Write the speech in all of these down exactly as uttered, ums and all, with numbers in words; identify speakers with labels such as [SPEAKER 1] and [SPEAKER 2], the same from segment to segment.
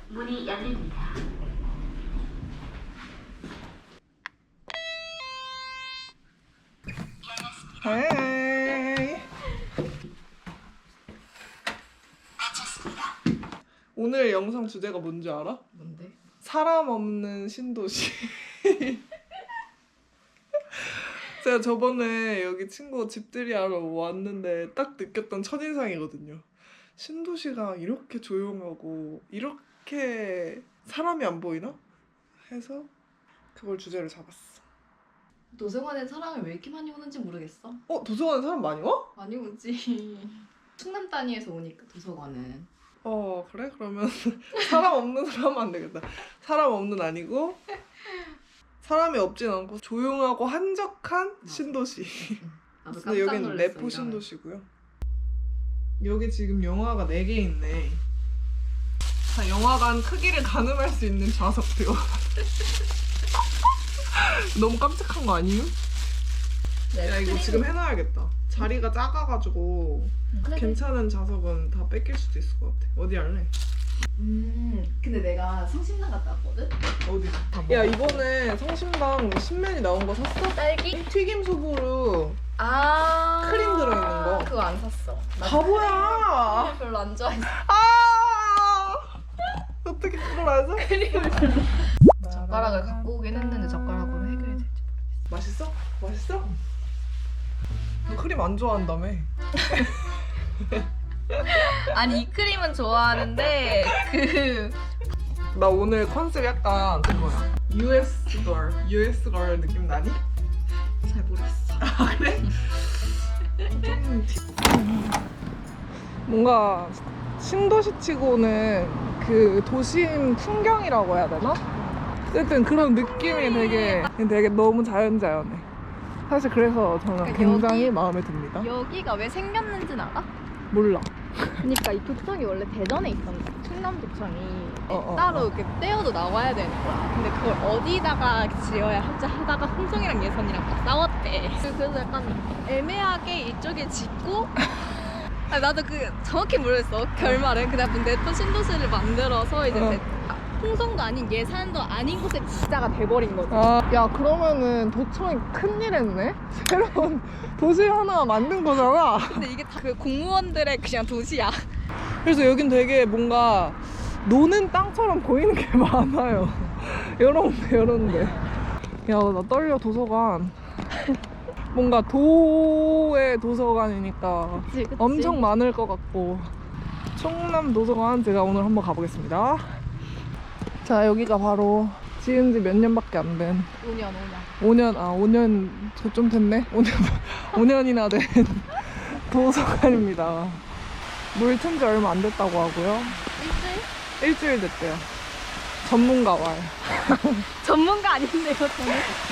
[SPEAKER 1] 문이 열립니다.
[SPEAKER 2] 헤이. 오늘 영상 주제가 뭔지 알아?
[SPEAKER 3] 뭔데?
[SPEAKER 2] 사람 없는 신도시. 제가 저번에 여기 친구 집들이 하러 왔는데 딱 느꼈던 첫인상이거든요. 신도시가 이렇게 조용하고 이렇게 사람이 안 보이나? 해서 그걸 주제로 잡았어.
[SPEAKER 3] 도서관에 사람이 왜 이렇게 많이 오는지 모르겠어.
[SPEAKER 2] 어? 도서관에 사람 많이 와?
[SPEAKER 3] 많이 오지. 충남 단위에서 오니까 도서관은.
[SPEAKER 2] 어 그래? 그러면 사람 없는 사람 하면 안 되겠다. 사람 없는 아니고 사람이 없진 않고 조용하고 한적한
[SPEAKER 3] 맞아.
[SPEAKER 2] 신도시.
[SPEAKER 3] 나도
[SPEAKER 2] 근데
[SPEAKER 3] 깜짝
[SPEAKER 2] 여기는
[SPEAKER 3] 놀랐어.
[SPEAKER 2] 내포
[SPEAKER 3] 이러면.
[SPEAKER 2] 신도시고요. 여기 지금 영화가 네 개 있네. 자, 영화관 크기를 가늠할 수 있는 좌석표. 너무 깜찍한 거 아니에요?
[SPEAKER 3] 네,
[SPEAKER 2] 야 이거
[SPEAKER 3] 스크린-
[SPEAKER 2] 지금 해놔야겠다. 자리가 작아가지고
[SPEAKER 3] 그래,
[SPEAKER 2] 괜찮은 좌석은 다 뺏길 수도 있을 것 같아. 어디 할래?
[SPEAKER 3] 음, 근데 내가 성심당 갔다 왔거든?
[SPEAKER 2] 어디? 야 이번에 성심당 신면이 나온 거 샀어?
[SPEAKER 3] 딸기?
[SPEAKER 2] 튀김 소보루
[SPEAKER 3] 아
[SPEAKER 2] 크림 들어있는 거.
[SPEAKER 3] 그거 안 샀어. 나
[SPEAKER 2] 바보야.
[SPEAKER 3] 크림 별로 안 좋아해서.
[SPEAKER 2] 아 어떻게 그걸 안 사?
[SPEAKER 3] 크림을 젓가락을 갖고 오긴 했는데 젓가락으로 해결이 될지.
[SPEAKER 2] 맛있어? 맛있어? 너 크림 안 좋아한다며?
[SPEAKER 3] 아니 이 크림은 좋아하는데 그
[SPEAKER 2] 나 오늘 컨셉 약간 그거야. 유에스 걸, 유에스 걸 느낌 나니?
[SPEAKER 3] 잘 모르겠어.
[SPEAKER 2] 아 그래? 좀 티- 뭔가 신도시치고는 그 도심 풍경이라고 해야 되나? 어쨌든 그런 느낌이 되게 되게 너무 자연자연해. 사실 그래서 저는
[SPEAKER 3] 그러니까
[SPEAKER 2] 굉장히
[SPEAKER 3] 여기-
[SPEAKER 2] 마음에 듭니다.
[SPEAKER 3] 여기가 왜 생겼는지는 알아?
[SPEAKER 2] 몰라.
[SPEAKER 3] 그러니까 이 도청이 원래 대전에 있었는데 충남도청이
[SPEAKER 2] 어, 어,
[SPEAKER 3] 따로
[SPEAKER 2] 어.
[SPEAKER 3] 이렇게 떼어도 나와야 되는 거야. 근데 그걸 어디다가 지어야 할지 하다가 홍성이랑 예선이랑 막 싸웠대. 그래서 약간 애매하게 이쪽에 짓고 아니, 나도 그 정확히 모르겠어 결말은. 그냥 내포 신도시를 만들어서 이제
[SPEAKER 2] 어.
[SPEAKER 3] 대- 아, 홍성도 아닌 예산도 아닌 곳에 지자가 돼버린 거지.
[SPEAKER 2] 아, 야 그러면은 도청이 큰일 했네? 새로운 도시 하나 만든 거잖아.
[SPEAKER 3] 근데 이게 다 그 공무원들의 그냥 도시야.
[SPEAKER 2] 그래서 여긴 되게 뭔가 노는 땅처럼 보이는 게 많아요. 이런데 이런데. 야 나 떨려. 도서관. 뭔가 도의 도서관이니까
[SPEAKER 3] 그치, 그치.
[SPEAKER 2] 엄청 많을 것 같고. 충남 도서관 제가 오늘 한번 가보겠습니다. 자 여기가 바로 지은 지 몇 년밖에 안 된
[SPEAKER 3] 오 년 오 년.
[SPEAKER 2] 오 년, 아, 오 년, 좀 됐네? 오 년, 오 년이나 된 도서관입니다. 물 튼 지 얼마 안 됐다고 하고요.
[SPEAKER 3] 일주일?
[SPEAKER 2] 일주일 됐대요. 전문가 왈.
[SPEAKER 3] 전문가 아닌데요 저는.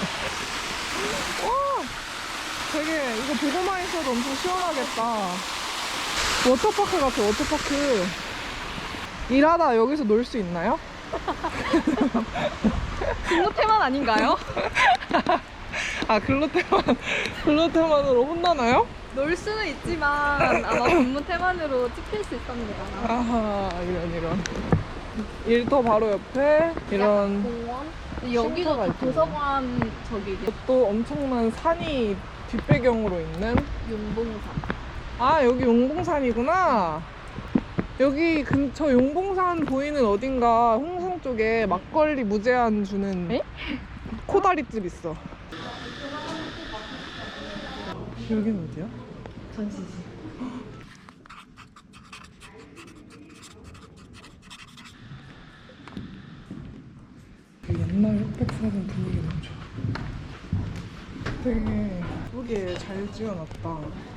[SPEAKER 2] 와! 되게, 이거 보고만 있어도 엄청 시원하겠다. 워터파크 같아, 워터파크. 일하다 여기서 놀 수 있나요?
[SPEAKER 3] 근무 태만 아닌가요?
[SPEAKER 2] 아, 글루테만, 글루테만으로 혼나나요?
[SPEAKER 3] 놀 수는 있지만 아마 근무 태만으로 찍힐 수 있답니다.
[SPEAKER 2] 아하, 이런, 이런. 일터 바로 옆에 이런.
[SPEAKER 3] 공원? 여기도
[SPEAKER 2] 쉼터가
[SPEAKER 3] 다
[SPEAKER 2] 있군요.
[SPEAKER 3] 도서관 저기
[SPEAKER 2] 또 엄청난 산이 뒷배경으로 있는.
[SPEAKER 3] 용봉산.
[SPEAKER 2] 아 여기 용봉산이구나. 여기 근처 용봉산 보이는 어딘가 홍성 쪽에 막걸리 무제한 주는
[SPEAKER 3] 에?
[SPEAKER 2] 코다리집 있어. 여긴 어디야?
[SPEAKER 3] 전시지.
[SPEAKER 2] 그 옛날 흑백사진 분위기 너무 좋아. 되게 예쁘게 잘 지어놨다.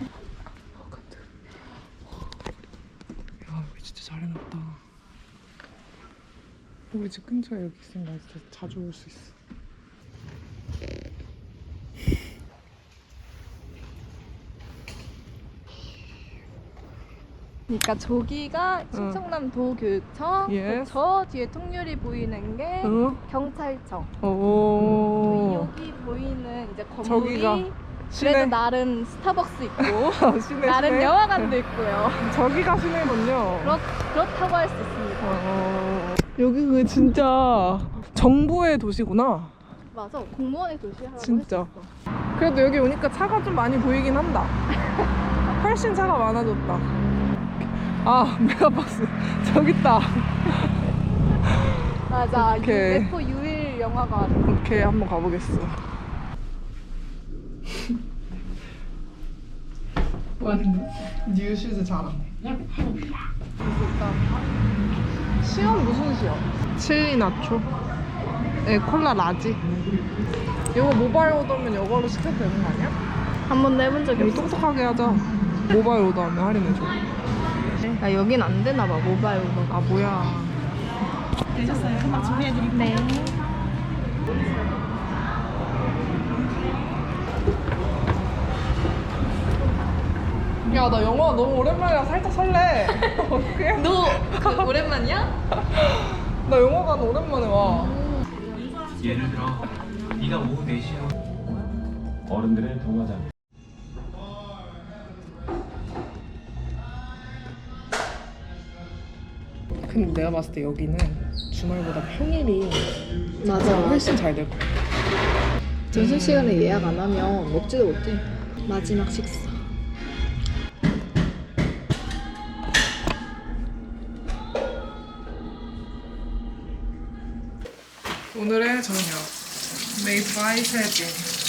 [SPEAKER 2] 야 여기 진짜 잘 해놨다. 우리 집 근처에 여기 있으면 나 진짜 자주 올 수 있어.
[SPEAKER 3] 그러니까 저기가 충청남 도교육청,
[SPEAKER 2] Yes.
[SPEAKER 3] 그 저 뒤에 통유리 보이는 게
[SPEAKER 2] 어?
[SPEAKER 3] 경찰청.
[SPEAKER 2] 오.
[SPEAKER 3] 여기 보이는 이제 건물이
[SPEAKER 2] 저기가
[SPEAKER 3] 그래도
[SPEAKER 2] 시내.
[SPEAKER 3] 나름 스타벅스 있고
[SPEAKER 2] 시내
[SPEAKER 3] 나름
[SPEAKER 2] 시내.
[SPEAKER 3] 영화관도 있고요.
[SPEAKER 2] 저기가 시내군요.
[SPEAKER 3] 그렇, 그렇다고 할 수 있습니다.
[SPEAKER 2] 어. 여기가 진짜 정부의 도시구나.
[SPEAKER 3] 맞아. 공무원의 도시라고
[SPEAKER 2] 진짜.
[SPEAKER 3] 했었어.
[SPEAKER 2] 그래도 여기 오니까 차가 좀 많이 보이긴 한다. 훨씬 차가 많아졌다. 아, 메가박스 저기 있다.
[SPEAKER 3] 맞아. 유,
[SPEAKER 2] 오케이.
[SPEAKER 3] 네포 유일 영화관.
[SPEAKER 2] 오케이, 한번 가보겠어. 완 뉴슈즈 잘하네. 시험 무슨 시험? 칠리 나초. 에 콜라 라지. 이거 모바일 오더면 이걸로 시켜도 되는 거 아니야?
[SPEAKER 3] 한 번도 해본 적이
[SPEAKER 2] 우리
[SPEAKER 3] 없어.
[SPEAKER 2] 똑똑하게 하자. 모바일 오더하면 할인해줘.
[SPEAKER 3] 야, 여긴 안 되나 봐. 모바일 오더.
[SPEAKER 2] 아 뭐야.
[SPEAKER 1] 되셨어요? 금방 준비해드릴게요.
[SPEAKER 3] 네.
[SPEAKER 2] 야, 나 영화 너무 오랜만이라 살짝 설레. 어떡해?
[SPEAKER 3] 너 그 오랜만이야?
[SPEAKER 2] 나 영화관 오랜만에 와.
[SPEAKER 4] 예를 들어 네가 오후 네 시에 어른들의 동화장
[SPEAKER 2] 근데 내가 봤을 때 여기는 주말보다 평일이
[SPEAKER 3] 맞아.
[SPEAKER 2] 훨씬 잘 될 거야.
[SPEAKER 3] 점심시간에 예약 안 하면 먹지도 못해. 마지막 식사.
[SPEAKER 2] 오늘의 저녁 Made by 세진.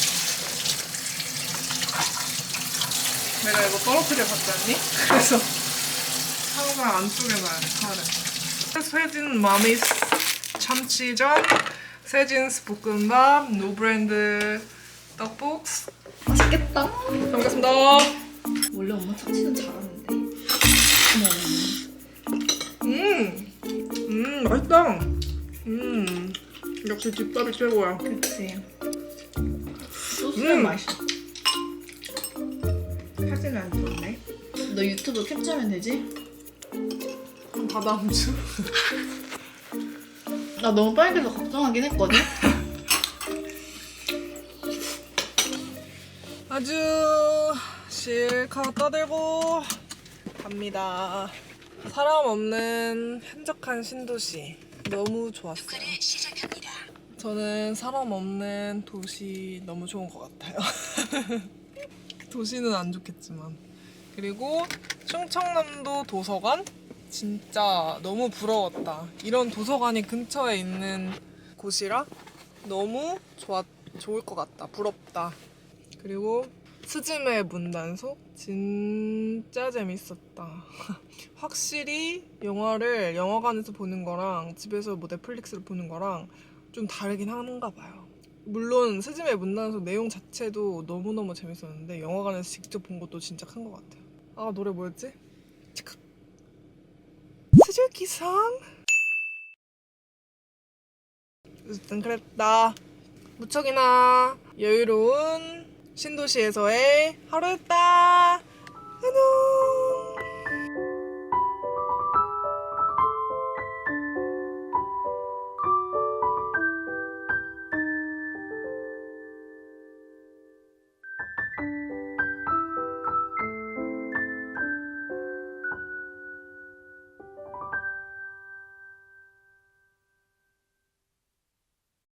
[SPEAKER 2] 내가 이거 떨어뜨려 봤잖니? 그래서 항상 안쪽에 놔야 돼, 칼을. 세진 마미스 참치전, 세진스 볶음밥, 노브랜드 떡볶이.
[SPEAKER 3] 맛있겠다.
[SPEAKER 2] 잘 먹겠습니다.
[SPEAKER 3] 원래 엄마 참치는 잘하는데.
[SPEAKER 2] 음, 음 맛있다. 음, 역시 집밥이 최고야.
[SPEAKER 3] 그치. 소스는
[SPEAKER 2] 음.
[SPEAKER 3] 맛있어.
[SPEAKER 2] 사진 안 좋네.
[SPEAKER 3] 너 유튜브 캡처하면 되지?
[SPEAKER 2] 다 다음 주.
[SPEAKER 3] 나 너무 빨개서 걱정하긴 했거든?
[SPEAKER 2] 아주 실컷 떠들고 갑니다. 사람 없는 한적한 신도시 너무 좋았어요. 저는 사람 없는 도시 너무 좋은 것 같아요. 도시는 안 좋겠지만. 그리고 충청남도 도서관 진짜 너무 부러웠다. 이런 도서관이 근처에 있는 곳이라 너무 좋았, 좋을 것 같다. 부럽다. 그리고 스즈메 문단속 진짜 재밌었다. 확실히 영화를 영화관에서 보는 거랑 집에서 뭐 넷플릭스를 보는 거랑 좀 다르긴 한가 봐요. 물론 스즈메 문단속 내용 자체도 너무너무 재밌었는데 영화관에서 직접 본 것도 진짜 큰 것 같아요. 아, 노래 뭐였지? 치카. 스즈키상? 어쨌든 그랬다. 무척이나 여유로운 신도시에서의 하루였다.